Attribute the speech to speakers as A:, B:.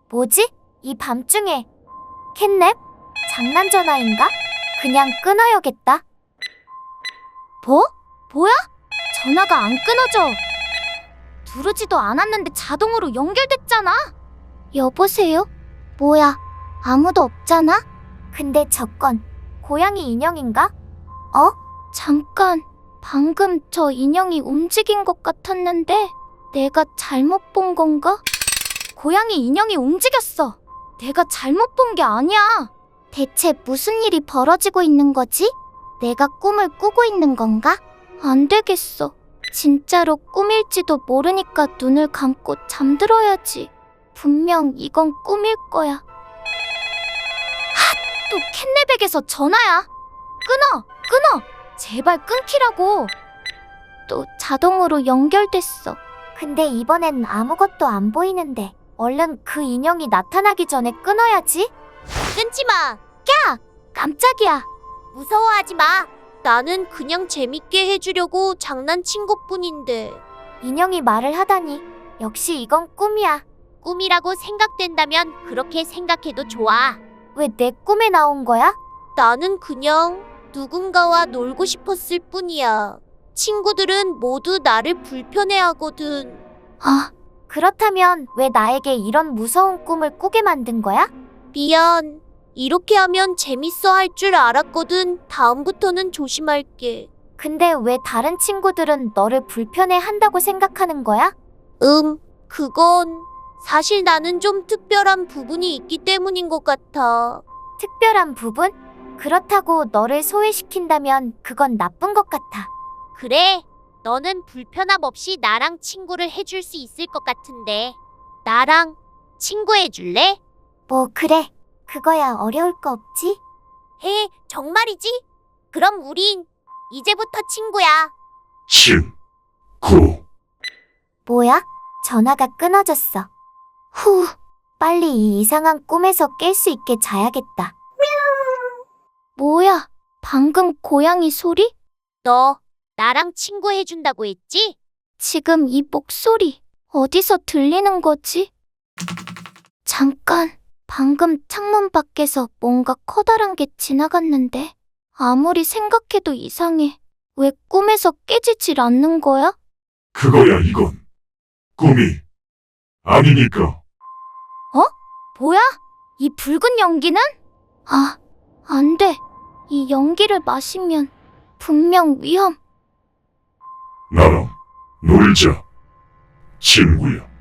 A: 뭐지? 이 밤중에 캣냅? 장난 전화인가? 그냥 끊어야겠다. 뭐야? 전화가 안 끊어져. 누르지도 않았는데 자동으로 연결됐잖아. 여보세요? 뭐야? 아무도 없잖아? 근데 저건 고양이 인형인가? 잠깐, 방금 저 인형이 움직인 것 같았는데 내가 잘못 본 건가? 고양이 인형이 움직였어. 내가 잘못 본 게 아니야. 대체 무슨 일이 벌어지고 있는 거지? 내가 꿈을 꾸고 있는 건가? 안 되겠어. 진짜로 꿈일지도 모르니까 눈을 감고 잠들어야지. 분명 이건 꿈일 거야. 또 캣냅에게서 전화야. 끊어. 제발 끊기라고. 또 자동으로 연결됐어. 근데 이번엔 아무것도 안 보이는데 얼른 그 인형이 나타나기 전에 끊어야지.
B: 끊지 마.
A: 깜짝이야.
B: 무서워하지 마. 나는 그냥 재밌게 해주려고 장난친 것뿐인데.
A: 인형이 말을 하다니. 역시 이건 꿈이야.
B: 꿈이라고 생각된다면 그렇게 생각해도 좋아.
A: 왜 내 꿈에 나온 거야?
B: 나는 그냥 누군가와 놀고 싶었을 뿐이야. 친구들은 모두 나를 불편해하거든.
A: 그렇다면 왜 나에게 이런 무서운 꿈을 꾸게 만든 거야?
B: 미안. 이렇게 하면 재밌어 할 줄 알았거든. 다음부터는 조심할게.
A: 근데 왜 다른 친구들은 너를 불편해 한다고 생각하는 거야?
B: 그건 사실 나는 좀 특별한 부분이 있기 때문인 것 같아.
A: 특별한 부분? 그렇다고 너를 소외시킨다면 그건 나쁜 것 같아.
B: 그래, 너는 불편함 없이 나랑 친구를 해줄 수 있을 것 같은데. 나랑 친구해줄래?
A: 뭐 그래. 그거야 어려울 거 없지?
B: 정말이지? 그럼 우린 이제부터 친구야.
C: 친구.
A: 뭐야? 전화가 끊어졌어. 빨리 이 이상한 꿈에서 깰 수 있게 자야겠다. 뭐야? 방금 고양이 소리?
B: 너 나랑 친구해준다고 했지?
A: 지금 이 목소리 어디서 들리는 거지? 잠깐, 방금 창문 밖에서 뭔가 커다란 게 지나갔는데 아무리 생각해도 이상해. 왜 꿈에서 깨지질 않는 거야?
C: 그거야 이건. 꿈이 아니니까.
A: 뭐야? 이 붉은 연기는? 안 돼. 이 연기를 마시면 분명 위험.
C: 나랑 놀자. 친구야.